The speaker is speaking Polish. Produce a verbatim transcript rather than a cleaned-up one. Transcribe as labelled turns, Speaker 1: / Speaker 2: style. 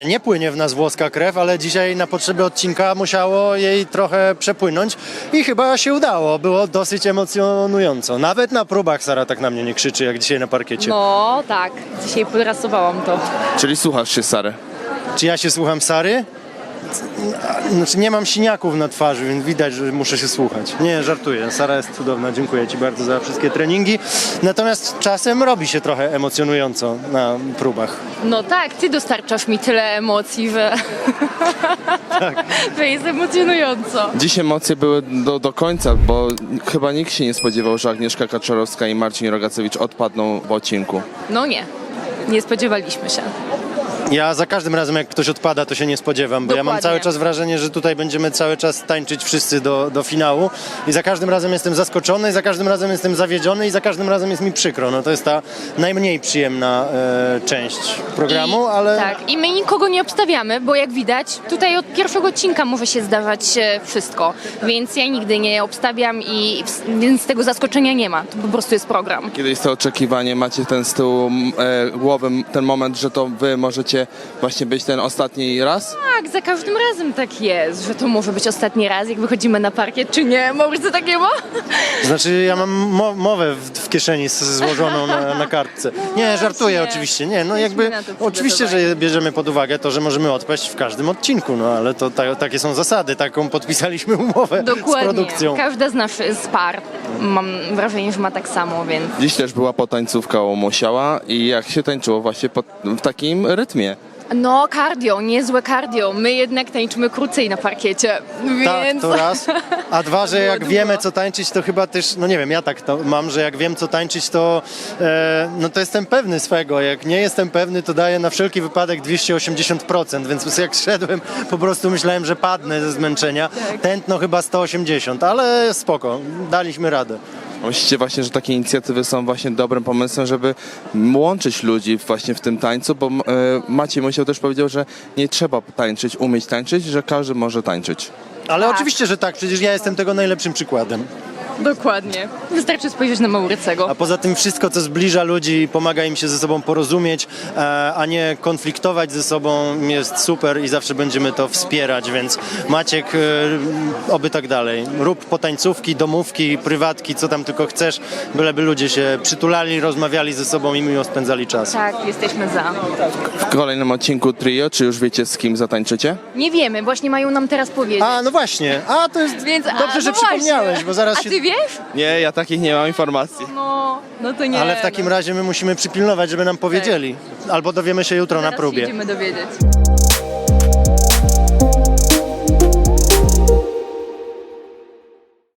Speaker 1: Nie płynie w nas włoska krew, ale dzisiaj na potrzeby odcinka musiało jej trochę przepłynąć i chyba się udało. Było dosyć emocjonująco. Nawet na próbach Sara tak na mnie nie krzyczy, jak dzisiaj na parkiecie.
Speaker 2: No tak, dzisiaj podrasowałam to.
Speaker 3: Czyli słuchasz się Sary?
Speaker 1: Czy ja się słucham Sary? Znaczy nie mam siniaków na twarzy, więc widać, że muszę się słuchać. Nie, żartuję. Sara jest cudowna. Dziękuję Ci bardzo za wszystkie treningi. Natomiast czasem robi się trochę emocjonująco na próbach.
Speaker 2: No tak, ty dostarczasz mi tyle emocji, że
Speaker 1: Tak.
Speaker 2: to jest emocjonująco.
Speaker 3: Dziś emocje były do, do końca, bo chyba nikt się nie spodziewał, że Agnieszka Kaczorowska i Marcin Rogacewicz odpadną w odcinku.
Speaker 2: No nie, nie spodziewaliśmy się.
Speaker 1: Ja za każdym razem, jak ktoś odpada, to się nie spodziewam, bo ja mam
Speaker 2: Dokładnie.
Speaker 1: cały czas wrażenie, że tutaj będziemy cały czas tańczyć wszyscy do, do finału i za każdym razem jestem zaskoczony, i za każdym razem jestem zawiedziony i za każdym razem jest mi przykro. No to jest ta najmniej przyjemna e, część programu,
Speaker 2: I,
Speaker 1: ale...
Speaker 2: Tak, i my nikogo nie obstawiamy, bo jak widać, tutaj od pierwszego odcinka może się zdarzać e, wszystko, więc ja nigdy nie obstawiam i w- więc tego zaskoczenia nie ma. To po prostu jest program.
Speaker 3: Kiedyś to oczekiwanie, macie ten z tyłu m, e, głowy, m, ten moment, że to wy możecie właśnie być ten ostatni raz?
Speaker 2: Tak, za każdym razem tak jest, że to może być ostatni raz, jak wychodzimy na parkiet, czy nie? Może tak nie ma?
Speaker 1: Znaczy ja mam mo- mowę w, w kieszeni z- złożoną na, na kartce. Nie, żartuję
Speaker 2: właśnie.
Speaker 1: oczywiście, nie, no
Speaker 2: Jesteśmy
Speaker 1: jakby
Speaker 2: na to
Speaker 1: oczywiście,
Speaker 2: przygotowani.
Speaker 1: że bierzemy pod uwagę to, że możemy odpaść w każdym odcinku, no ale to ta, takie są zasady, taką podpisaliśmy umowę z
Speaker 2: Dokładnie.
Speaker 1: produkcją.
Speaker 2: Każda z nas z par, mam wrażenie, że ma tak samo, więc...
Speaker 3: Dziś też była potańcówka u Musiała i jak się tańczyło właśnie pod, w takim rytmie.
Speaker 2: No, cardio, niezłe cardio. My jednak tańczymy krócej na parkiecie,
Speaker 1: Tak,
Speaker 2: więc...
Speaker 1: to raz. A dwa, że
Speaker 2: było
Speaker 1: jak
Speaker 2: długo.
Speaker 1: wiemy co tańczyć, to chyba też, no nie wiem, ja tak to mam, że jak wiem co tańczyć, to e, no to jestem pewny swego. Jak nie jestem pewny, to daję na wszelki wypadek dwieście osiemdziesiąt procent, więc jak szedłem, po prostu myślałem, że padnę ze zmęczenia. Tętno chyba sto osiemdziesiąt, ale spoko, daliśmy radę.
Speaker 3: Myślicie właśnie, że takie inicjatywy są właśnie dobrym pomysłem, żeby łączyć ludzi właśnie w tym tańcu, bo e, Maciej Musiał też powiedział, że nie trzeba tańczyć, umieć tańczyć, że każdy może tańczyć.
Speaker 1: Ale
Speaker 2: Tak.
Speaker 1: oczywiście, że tak, przecież ja jestem tego najlepszym przykładem.
Speaker 2: Dokładnie. Wystarczy spojrzeć na Maurycego.
Speaker 1: A poza tym wszystko, co zbliża ludzi, pomaga im się ze sobą porozumieć, e, a nie konfliktować ze sobą, jest super i zawsze będziemy to wspierać, więc Maciek, e, oby tak dalej. Rób potańcówki, domówki, prywatki, co tam tylko chcesz, byleby ludzie się przytulali, rozmawiali ze sobą i miło spędzali czas.
Speaker 2: Tak, jesteśmy za.
Speaker 3: W kolejnym odcinku Trio, czy już wiecie z kim zatańczycie?
Speaker 2: Nie wiemy, właśnie mają nam teraz powiedzieć.
Speaker 1: A, no właśnie, a to jest
Speaker 2: Więc, a,
Speaker 1: dobrze, że
Speaker 2: no
Speaker 1: przypomniałeś,
Speaker 2: właśnie.
Speaker 1: bo zaraz
Speaker 2: A
Speaker 1: się...
Speaker 2: ty wiesz?
Speaker 3: Nie, ja takich nie mam informacji.
Speaker 2: No, no to nie.
Speaker 1: Ale w takim
Speaker 2: no.
Speaker 1: razie my musimy przypilnować, żeby nam powiedzieli. Albo dowiemy się jutro na
Speaker 2: Zaraz
Speaker 1: próbie.
Speaker 2: się idziemy dowiedzieć.